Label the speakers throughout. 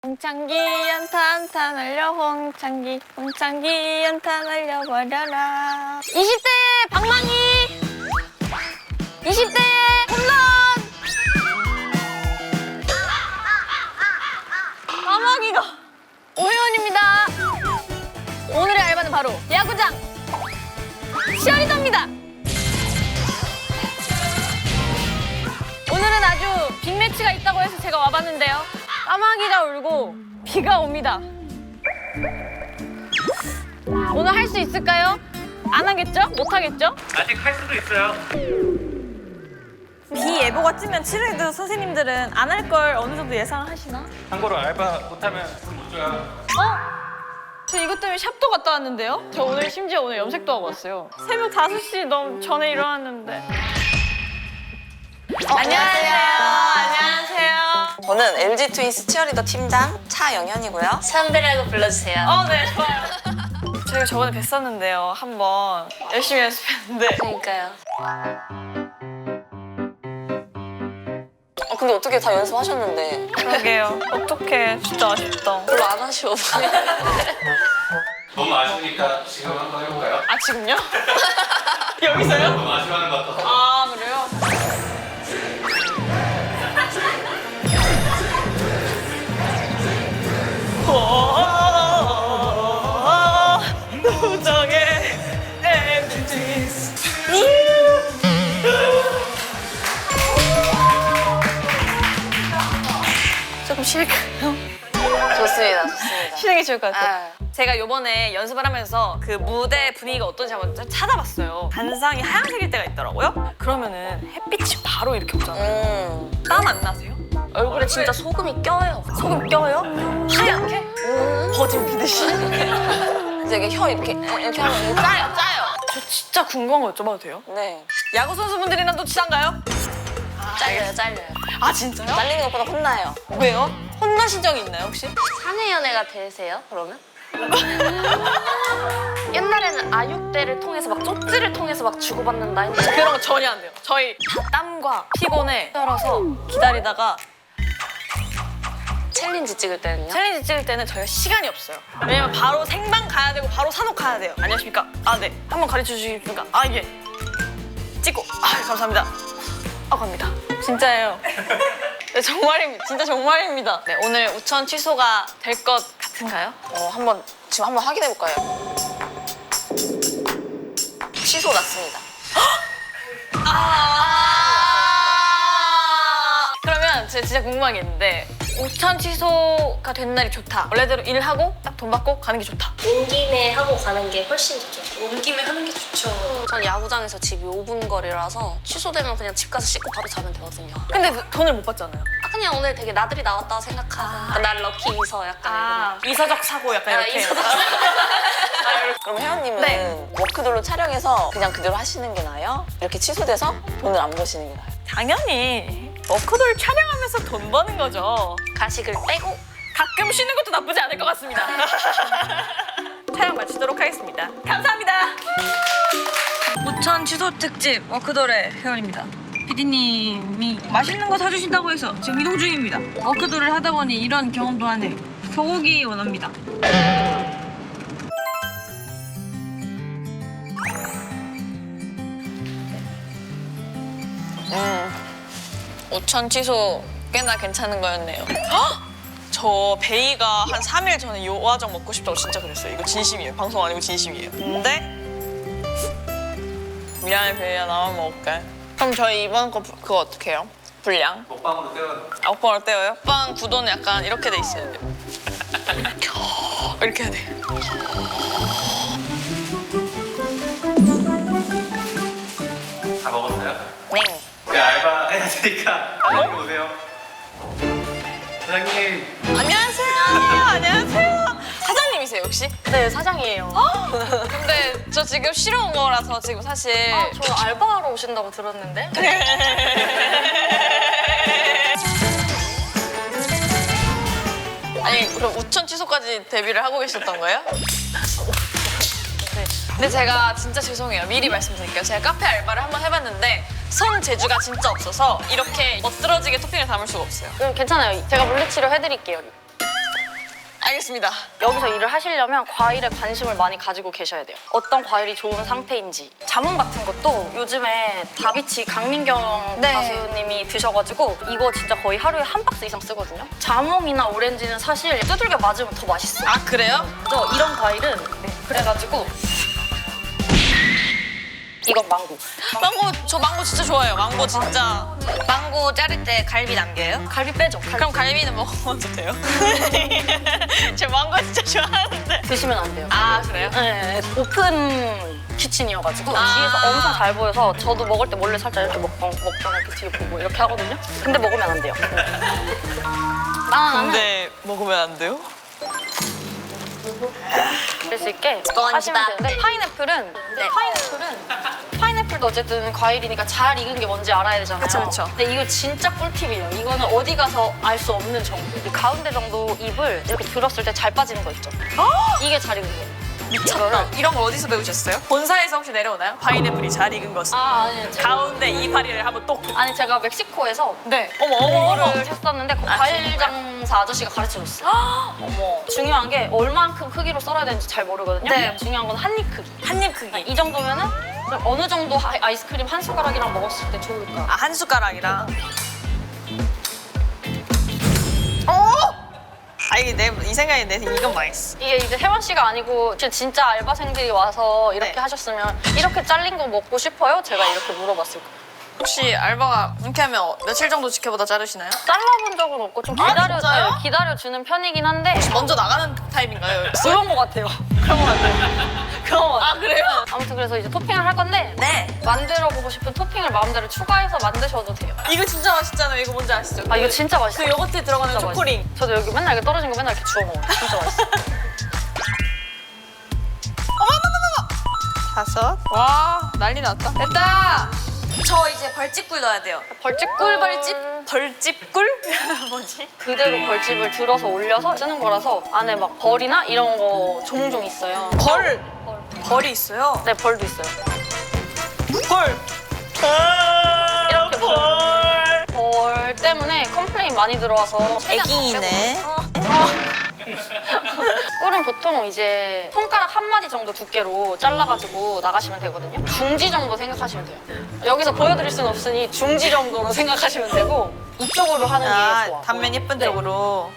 Speaker 1: 홍창기 연탄 날려 홍창기 연탄 날려버려라. 20대 방망이 20대 홈런. 까마귀가 오혜원입니다. 오늘의 알바는 바로 야구장 치어리더입니다. 오늘은 아주 빅매치가 있다고 해서 제가 와봤는데요. 까마귀가 울고 비가 옵니다. 오늘 할 수 있을까요? 안 하겠죠? 못 하겠죠?
Speaker 2: 아직 할 수도 있어요.
Speaker 1: 비 예보가 뜨면 치료해도 선생님들은 안 할 걸 어느 정도 예상을 하시나?
Speaker 2: 참고로 알바 못하면 돈 못 줘요.
Speaker 1: 저 이것 때문에 샵도 갔다 왔는데요? 저 오늘 심지어 오늘 염색도 하고 왔어요. 새벽 5시 넘 전에 일어났는데. 안녕하세요. 안녕하세요.
Speaker 3: 저는 LG 트윈스 치어리더 팀장 차영현이고요.
Speaker 4: 선배라고 불러주세요.
Speaker 1: 네, 좋아요. 저희가 저번에 뵀었는데요. 한번 열심히 연습했는데.
Speaker 4: 그러니까요.
Speaker 3: 근데 어떻게 다 연습하셨는데
Speaker 1: 그러게요. 어떡해. 진짜 아쉽다.
Speaker 3: 별로 안 아쉬워 보여요.
Speaker 2: 너무 아쉬우니까 지금 한번 해볼까요?
Speaker 1: 아, 지금요? 여기서요?
Speaker 2: 너무 아쉬워하는 것 같아서.
Speaker 1: 아, 그래요? 우정의 MGs. 조금 쉴까요?
Speaker 3: 좋습니다.
Speaker 1: 쉬는 게 좋을 것 같아요.
Speaker 3: 아.
Speaker 1: 제가 요번에 연습을 하면서 그 무대 분위기가 어떤지 한번 찾아봤어요. 단상이 하얀색일 때가 있더라고요. 그러면은 햇빛이 바로 이렇게 오잖아요. 땀 안 나세요?
Speaker 3: 얼굴에 진짜 소금이 껴요.
Speaker 1: 소금 껴요? 하얗게? 버진 비듯이?
Speaker 3: 되게 혀 이렇게 하면 짜요.
Speaker 1: 저 진짜 궁금한 거 여쭤봐도 돼요?
Speaker 3: 네.
Speaker 1: 야구 선수분들이랑 또 친한가요?
Speaker 4: 잘려요.
Speaker 1: 아, 진짜요?
Speaker 3: 날리는 것보다 혼나요.
Speaker 1: 왜요? 혼나신 적이 있나요, 혹시?
Speaker 4: 사내 연애가 되세요, 그러면? 옛날에는 아육대를 통해서 막 쪽지를 통해서 막 주고받는다 했는데
Speaker 1: 그런 거 전혀 안 돼요. 저희 다 땀과 피곤에 떨어서 기다리다가
Speaker 4: 챌린지 찍을 때는요?
Speaker 1: 챌린지 찍을 때는 저희가 시간이 없어요. 왜냐면 바로 생방 가야 되고 바로 산옥 가야 돼요. 안녕하십니까? 아, 네. 한번 가르쳐 주시겠습니까? 아, 예. 찍고. 아, 감사합니다. 아, 갑니다. 진짜예요. 네, 정말입니다. 진짜 정말입니다. 네, 오늘 우천 취소가 될 것 같은가요?
Speaker 3: 지금 한번 확인해 볼까요? 취소 났습니다.
Speaker 1: 그러면 제가 진짜 궁금한 게 있는데 우천 취소가 된 날이 좋다. 원래대로 일하고 딱 돈 받고 가는 게 좋다.
Speaker 4: 온 김에 하고 가는 게 훨씬 좋죠. 온 김에 하는 게 좋죠.
Speaker 3: 전 야구장에서 집이 5분 거리라서 취소되면 그냥 집 가서 씻고 바로 자면 되거든요.
Speaker 1: 근데 그 돈을 못 받잖아요.
Speaker 4: 그냥 오늘 되게 나들이 나왔다 생각하고 날 럭키 이서 약간
Speaker 1: 이서적 사고 약간
Speaker 4: 이런.
Speaker 1: 이렇게.
Speaker 4: 이서적
Speaker 3: 그럼 혜원님은
Speaker 1: 네.
Speaker 3: 워크돌로 촬영해서 그냥 그대로 하시는 게 나아요? 이렇게 취소돼서 돈을 안 버시는 게 나아요?
Speaker 1: 당연히 워크돌 촬영하면서 돈 버는 거죠.
Speaker 4: 가식을 빼고
Speaker 1: 가끔 쉬는 것도 나쁘지 않을 것 같습니다. 촬영 마치도록 하겠습니다. 감사합니다.
Speaker 5: 우천 취소 특집 워크돌의 회원입니다. PD님이 맛있는 거 사주신다고 해서 지금 이동 중입니다. 워크돌을 하다 보니 이런 경험도 하네요. 소고기 원합니다.
Speaker 1: 우천 취소 꽤나 괜찮은 거였네요. 저 베이가 한 3일 전에 요화정 먹고 싶다고 진짜 그랬어요. 이거 진심이에요. 방송 아니고 진심이에요. 근데 미안해 베이야, 나만 먹을게. 그럼 저희 이번 거 그거 어떻게 해요? 분량?
Speaker 2: 먹방으로 때려.
Speaker 1: 먹방을 떼어요? 먹방 구도는 약간 이렇게 돼 있어야 돼요. 이렇게 해야 돼.
Speaker 2: 다 먹었어요?
Speaker 1: 네.
Speaker 2: 네, 알바 해야 되니까 사장님 오세요. 사장님.
Speaker 1: 안녕하세요. 안녕하세요. 사장님이세요 혹시?
Speaker 4: 네 사장이에요.
Speaker 1: 근데 저 지금 쉬러 온 거라서 지금 사실
Speaker 4: 저 알바하러 오신다고 들었는데
Speaker 1: 아니 그럼 우천 취소까지 데뷔를 하고 계셨던 거예요? 네. 근데 제가 진짜 죄송해요. 미리 말씀드릴게요. 제가 카페 알바를 한번 해봤는데 선 재주가 진짜 없어서 이렇게 멋들어지게 토핑을 담을 수가 없어요.
Speaker 4: 괜찮아요. 제가 물리치료 해드릴게요.
Speaker 1: 알겠습니다.
Speaker 4: 여기서 일을 하시려면 과일에 관심을 많이 가지고 계셔야 돼요. 어떤 과일이 좋은 상태인지. 자몽 같은 것도 요즘에 다비치 강민경
Speaker 1: 네.
Speaker 4: 가수님이 드셔가지고 이거 진짜 거의 하루에 한 박스 이상 쓰거든요. 자몽이나 오렌지는 사실 두들겨 맞으면 더 맛있어요.
Speaker 1: 아 그래요?
Speaker 4: 그래서 이런 과일은 그래가지고 이건 망고.
Speaker 1: 저 망고 진짜 좋아해요. 망고 진짜. 망고 자를 때 갈비 남겨요?
Speaker 4: 갈비 빼죠.
Speaker 1: 그럼 갈비는 먹어도 돼요? 저 망고 진짜 좋아하는데.
Speaker 4: 드시면 안 돼요.
Speaker 1: 아 그래요?
Speaker 4: 네, 오픈 키친이어가지고
Speaker 1: 아.
Speaker 4: 뒤에서 엄청 잘 보여서 저도 먹을 때 몰래 살짝 이렇게 먹다가 이렇게 뒤에 보고 이렇게 하거든요. 근데 먹으면 안 돼요. 바나나는
Speaker 1: 근데 먹으면 안 돼요?
Speaker 4: 드실 수 있게
Speaker 1: 건
Speaker 4: 하시면
Speaker 1: 집앞.
Speaker 4: 되는데 파인애플도 어쨌든 과일이니까 잘 익은 게 뭔지 알아야 되잖아요.
Speaker 1: 그쵸, 그쵸.
Speaker 4: 근데 이거 진짜 꿀팁이에요. 이거는 어디 가서 알 수 없는 정보. 이 가운데 정도 잎을 이렇게 들었을 때 잘 빠지는 거 있죠. 이게 잘 익은 거예요.
Speaker 1: 미쳤다. 이런 거 어디서 배우셨어요? 본사에서 혹시 내려오나요? 파인애플이 잘 익은 것은.
Speaker 4: 아니요.
Speaker 1: 가운데 이파리를 한번 똑.
Speaker 4: 아니 제가 멕시코에서
Speaker 1: 네. 어머.
Speaker 4: 이거를 했었는데 그 과일 장사 아저씨가 가르쳐줬어요.
Speaker 1: 어머.
Speaker 4: 중요한 게 얼만큼 크기로 썰어야 되는지 잘 모르거든요.
Speaker 1: 네.
Speaker 4: 중요한 건 한 입 크기.
Speaker 1: 한 입 크기.
Speaker 4: 이 정도면은 어느 정도 아이스크림 한 숟가락이랑 먹었을 때 좋을까?
Speaker 1: 아, 한 숟가락이랑. 아 이게 이 생각이 내 이건 맛있어.
Speaker 4: 이게 이제 혜원 씨가 아니고 진짜 알바생들이 와서 이렇게
Speaker 1: 네.
Speaker 4: 하셨으면 이렇게 잘린 거 먹고 싶어요? 제가 이렇게 물어봤을 거예요.
Speaker 1: 혹시 알바가 이렇게 하면 며칠 정도 지켜보다 자르시나요?
Speaker 4: 잘라본 적은 없고 좀
Speaker 1: 진짜요?
Speaker 4: 기다려주는 편이긴 한데
Speaker 1: 먼저 나가는 타입인가요?
Speaker 4: 그런 거 같아요. 그런 거 같아요.
Speaker 1: 아 그래요?
Speaker 4: 아무튼 그래서 이제 토핑을 할 건데
Speaker 1: 네.
Speaker 4: 만들어보고 싶은 토핑을 마음대로 추가해서 만드셔도 돼요.
Speaker 1: 이거 진짜 맛있잖아요. 이거 뭔지 아시죠?
Speaker 4: 아 이거 진짜
Speaker 1: 그
Speaker 4: 맛있어요.
Speaker 1: 요거트에 들어가는
Speaker 4: 진짜
Speaker 1: 초코링.
Speaker 4: 맛있어요. 저도 여기 맨날 이렇게 떨어진 거 맨날 이렇게 주워 먹어요. 진짜 맛있어.
Speaker 1: 다섯. 와 난리 났다. 됐다. 저 이제 벌집꿀 넣어야 돼요.
Speaker 4: 벌집꿀
Speaker 1: 벌집꿀? 뭐지?
Speaker 4: 그대로 벌집을 들어서 올려서 쓰는 거라서 안에 막 벌이나 이런 거 종종 있어요.
Speaker 1: 벌이 있어요.
Speaker 4: 네, 벌도 있어요.
Speaker 1: 벌.
Speaker 4: 이렇게 벌 때문에 컴플레인 많이 들어와서
Speaker 1: 애기이네.
Speaker 4: 꿀은 보통 이제 손가락 한 마디 정도 두께로 잘라가지고 나가시면 되거든요. 중지 정도 생각하시면 돼요. 여기서 보여드릴 수는 없으니 중지 정도로 생각하시면 되고 이쪽으로 하는 게 좋아.
Speaker 1: 단면 예쁜
Speaker 4: 네.
Speaker 1: 쪽으로.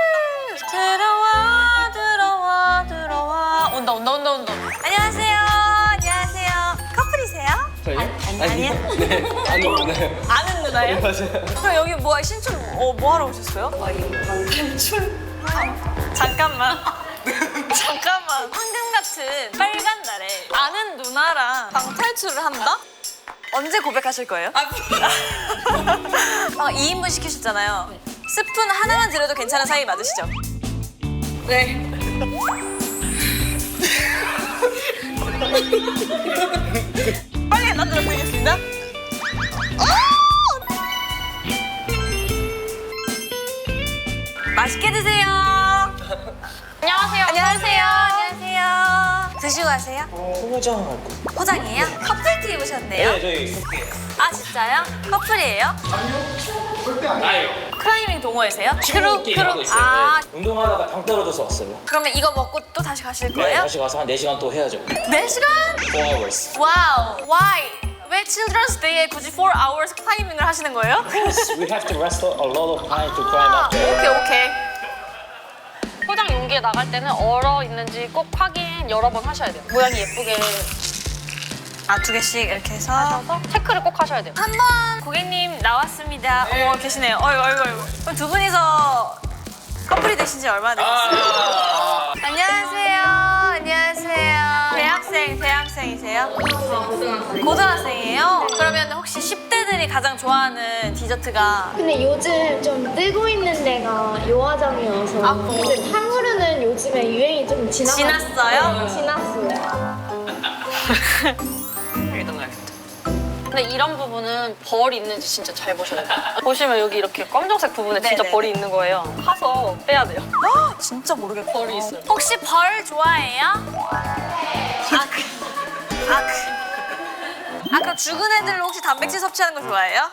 Speaker 1: 들어와. 온다. 안녕하세요. 커플이세요? 아니요.
Speaker 6: 네, 아니 오나요?
Speaker 1: 아는 누나예요?
Speaker 6: 맞아요.
Speaker 1: 그럼 여기 뭐 신촌 뭐 하러 오셨어요? 잠깐만. 황금 같은 빨간 날에 아는 누나랑 방탈출을 한다? 언제 고백하실 거예요? 2인분 시키셨잖아요. 스푼 하나만 드려도 괜찮은 사이 맞으시죠? 네. 빨리 만들어 보이겠습니다. 맛있게 드세요.
Speaker 4: 안녕하세요.
Speaker 1: 안녕하세요. 드시고 가세요.
Speaker 6: 포장하고.
Speaker 1: 포장이에요? 커플티 입으셨네요.
Speaker 6: 네, 저희
Speaker 1: 아 진짜요? 커플이에요?
Speaker 6: 아요.
Speaker 1: 클라이밍 동호회세요?
Speaker 6: 크루 하고 있어요.
Speaker 1: 아
Speaker 6: 네, 운동하다가 당 떨어져서 왔어요.
Speaker 1: 그러면 이거 먹고 또 다시 가실
Speaker 6: 네,
Speaker 1: 거예요?
Speaker 6: 다시 가서 한 4시간 또 해야죠.
Speaker 1: 4시간?
Speaker 6: 4 hours.
Speaker 1: 와우. Why? 왜 Children's Day에 굳이 4 hours 클라이밍을 하시는 거예요?
Speaker 6: We have to rest a lot of time to climb up there.
Speaker 1: 오케이.
Speaker 4: 포장 용기에 나갈 때는 얼어 있는지 꼭 확인 여러 번 하셔야 돼요. 모양이 예쁘게
Speaker 1: 아 2개씩 이렇게 해서
Speaker 4: 하셔서 체크를 꼭 하셔야 돼요.
Speaker 1: 한 번 고객님 나왔습니다. 어머 계시네요. 어이구. 그럼 두 분이서 커플이 되신 지 얼마나 되셨어요? 안녕하세요. 대학생이세요? 고등학생이에요? 그러면 혹시 10대들이 가장 좋아하는 디저트가
Speaker 7: 근데 요즘 좀 뜨고 있는 데가 요화정이어서
Speaker 1: 아,
Speaker 7: 근데 탕후루는 요즘에 유행이 좀
Speaker 1: 지났어요?
Speaker 7: 지났어요.
Speaker 4: 근데 이런 부분은 벌이 있는지 진짜 잘 보셔야 돼요. 보시면 여기 이렇게 검정색 부분에 진짜
Speaker 1: 네네.
Speaker 4: 벌이 있는 거예요. 파서 빼야 돼요.
Speaker 1: 진짜 모르겠다.
Speaker 4: 벌이 있어요.
Speaker 1: 혹시 벌 좋아해요? 그럼 죽은 애들은 혹시 단백질 섭취하는 거 좋아해요?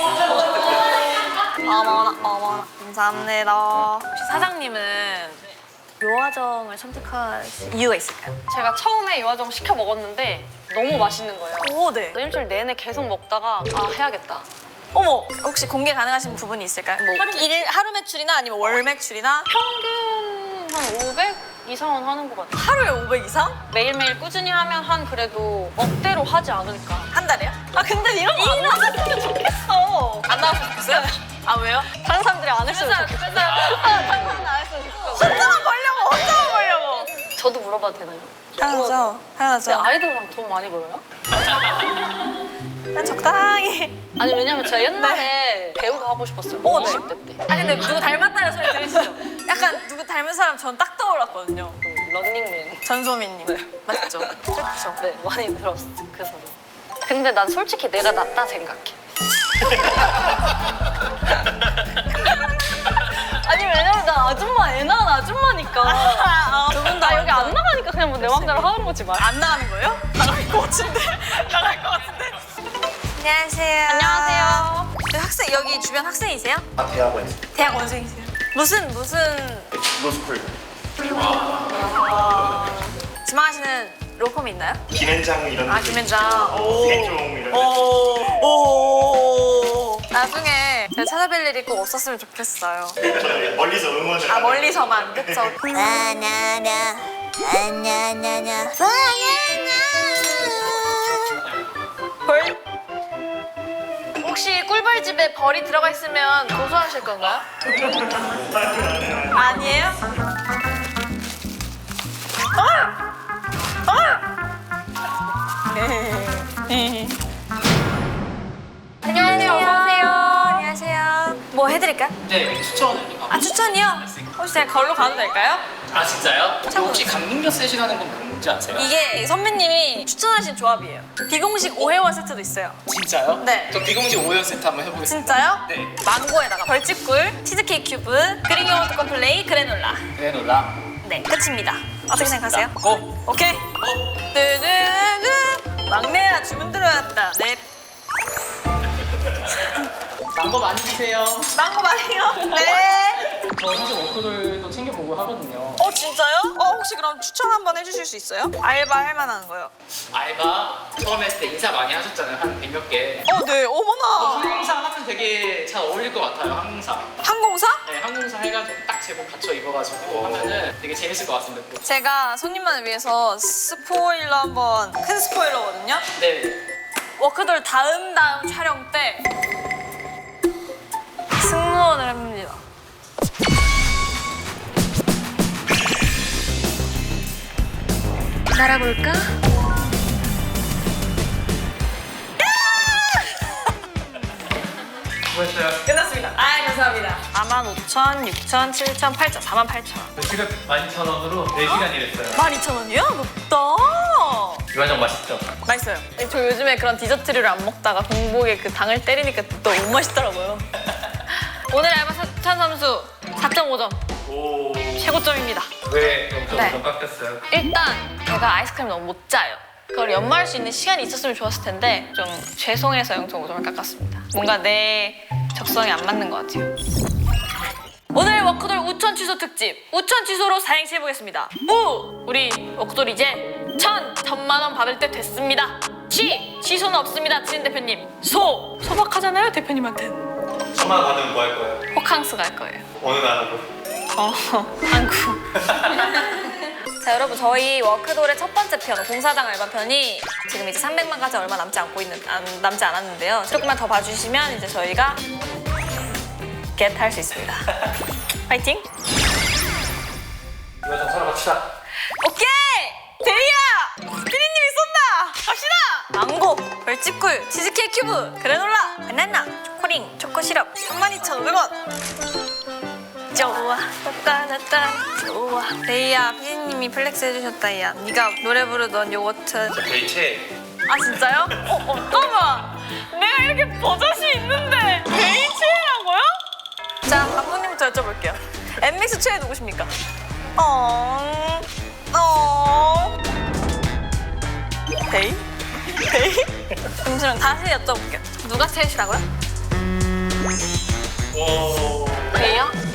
Speaker 1: 어머나 감사합니다. 혹시 사장님은
Speaker 5: 요화정을 선택하신 이유가 있을까요?
Speaker 4: 제가 처음에 요화정 시켜 먹었는데 너무 맛있는 거예요.
Speaker 5: 오, 네.
Speaker 4: 일주일 내내 계속 먹다가 아 해야겠다.
Speaker 5: 어머, 혹시 공개 가능하신 부분이 있을까요? 뭐 하루 매출이나 아니면 월 매출이나
Speaker 4: 평균 한 500 이상은 하는 것 같아요.
Speaker 5: 하루에 500 이상?
Speaker 4: 매일매일 꾸준히 하면 한 그래도 억대로 하지 않을까.
Speaker 5: 한 달에요? 아 근데 이런 거 안 나왔으면 좋겠어. 안 나왔으면 좋겠어요? 아 왜요?
Speaker 4: 다른 사람들이 안 했으면 좋겠어요. 다른 사람들이 안 했으면 좋겠어.
Speaker 5: 혼자만 벌려고, 혼자만 벌려고.
Speaker 4: 저도 물어봐도 되나요?
Speaker 5: 당연하죠,
Speaker 4: 근데
Speaker 5: 당연하죠.
Speaker 4: 아이돌랑 돈 많이 벌어요?
Speaker 5: 난 적당히.
Speaker 4: 아니 왜냐면 제가 옛날에 배우도 하고 싶었어요.
Speaker 5: 어, 네.
Speaker 4: 20대 때.
Speaker 5: 아 근데 누구 닮았다는 소리 들으시죠? 약간 누구 닮은 사람 전 딱 떠올랐거든요.
Speaker 4: 런닝맨.
Speaker 5: 전소민님. 맞죠? 그렇죠.
Speaker 4: 네, 많이 들었어. 그 소리. 근데 난 솔직히 내가 낫다 생각해. 아니 왜냐면 나 아줌마 애 낳은 아줌마니까.
Speaker 5: 두 분 다
Speaker 4: 나 여기 안 나가니까 그냥 뭐 내 맘대로 하는 거지 말.
Speaker 5: 안 나가는 거예요? 나갈 것 같은데. 나갈 것 같은데. 안녕하세요.
Speaker 4: 안녕하세요.
Speaker 5: 네, 학생 여기 주변 학생이세요?
Speaker 6: 아, 대학원.
Speaker 5: 대학원생이세요? 무슨
Speaker 6: 로스쿨.
Speaker 5: 지망하시는 로펌이 있나요?
Speaker 6: 김현장 이런.
Speaker 5: 아 김현장.
Speaker 6: 세종 이런.
Speaker 5: 오. 나중에 제가 찾아뵐 일이 꼭 없었으면 좋겠어요.
Speaker 6: 저는 멀리서 응원을.
Speaker 5: 아 멀리서만 그쵸? 벌?
Speaker 4: 혹시 꿀벌집에 벌이 들어가 있으면 고소하실 건가요?
Speaker 5: 아니에요? 안녕하세요. 어서오세요. 안녕하세요. 뭐 해드릴까요?
Speaker 8: 네, 추천을.
Speaker 5: 아 추천이요? 혹시 제가 걸로 가도 될까요?
Speaker 8: 아 진짜요?
Speaker 5: 참고로.
Speaker 8: 혹시 강릉역 세시라는 건 뭔지 아세요?
Speaker 5: 이게 선배님이 추천하신 조합이에요. 비공식 오해원 세트도 있어요.
Speaker 8: 진짜요?
Speaker 5: 네.
Speaker 8: 저 비공식 5연 세트 한번 해보겠습니다.
Speaker 5: 진짜요?
Speaker 8: 네.
Speaker 5: 망고에다가 벌집꿀, 치즈케이크 큐브, 그릭 요거트 컴플레이, 그래놀라.
Speaker 8: 그래놀라.
Speaker 5: 네, 끝입니다. 어떻게 생각하세요?
Speaker 8: 고!
Speaker 5: 오케이. 뜨드드 막내야 주문 들어왔다. 네.
Speaker 8: 망고 많이 드세요.
Speaker 5: 망고 말이요? 네.
Speaker 8: 저 사실 워크들도 챙겨보고 하거든요.
Speaker 5: 진짜요? 혹시 그럼 추천 한번 해주실 수 있어요? 알바 할 만한 거요.
Speaker 8: 알바 처음 했을 때 인사 많이 하셨잖아요. 한 100몇 개.
Speaker 5: 네. 어머나.
Speaker 8: 항공사 하면 되게 잘 어울릴 것 같아요. 항공사.
Speaker 5: 항공사?
Speaker 8: 네, 항공사 해가지고 딱 제복 갖춰 입어가지고 하면은 되게 재밌을 것 같습니다.
Speaker 5: 제가 손님만을 위해서 스포일러 한번 큰 스포일러거든요.
Speaker 8: 네.
Speaker 5: 워크돌 다음 촬영 때 승무원을 합니다. 날아볼까?
Speaker 2: 수고했어요.
Speaker 5: 끝났습니다. 감사합니다. 45,000, 6,000, 7,000, 8,000, 48,000원.
Speaker 2: 지금 12,000원으로 4시간 일했어요.
Speaker 5: 12,000원이요? 높다.
Speaker 2: 유화정 맛있죠?
Speaker 5: 맛있어요. 저 요즘에 그런 디저트류를 안 먹다가 공복에 그 당을 때리니까 또 너무 맛있더라고요. 오늘 알바 추천 점수 4.5점.
Speaker 2: 오.
Speaker 5: 최고점입니다.
Speaker 2: 왜 0.5점
Speaker 5: 네.
Speaker 2: 깎였어요?
Speaker 5: 일단 제가 아이스크림 너무 못 짜요. 그걸 연마할 수 있는 시간이 있었으면 좋았을 텐데 좀 죄송해서 0.5점을 깎았습니다. 뭔가 내 적성에 안 맞는 것 같아요. 오늘 워크돌 우천 취소 특집 우천 취소로 사행시 해보겠습니다. 우리 워크돌 이제 1,000만 원 받을 때 됐습니다. 취소는 없습니다. 지은 대표님. 소박하잖아요 대표님한테.
Speaker 2: 1,000만 원 받으면 뭐 할 거예요?
Speaker 5: 호캉스 갈 거예요.
Speaker 2: 어느 나라로?
Speaker 5: 한국. 자 여러분 저희 워크돌의 첫 번째 편 공사장 알바 편이 지금 이제 300만까지 얼마 남지 않았는데요. 조금만 더 봐주시면 이제 저희가 겟할 수 있습니다. 파이팅!
Speaker 2: 유화정 사러 갑시다.
Speaker 5: 오케이! 데이야! 피디님이 쏜다! 갑시다! 망고, 벌집꿀, 치즈케이크 큐브, 그래놀라, 바나나, 초코링, 초코시럽 32,500원. 좋아, 따따따 좋아. 데이야, 피디님이 플렉스 해주셨다, 야. 네가 노래 부르던 요거트.
Speaker 2: 저희 최.
Speaker 5: 아 진짜요? 잠깐만. 내가 이렇게 버젓이 있는데 데이체라고요? 자, 감독님부터 여쭤볼게요. 엠믹스 최애 누구십니까? 데이? 데이? 잠시만 다시 여쭤볼게요. 누가 최애시라고요?
Speaker 2: 오.
Speaker 5: 데이요?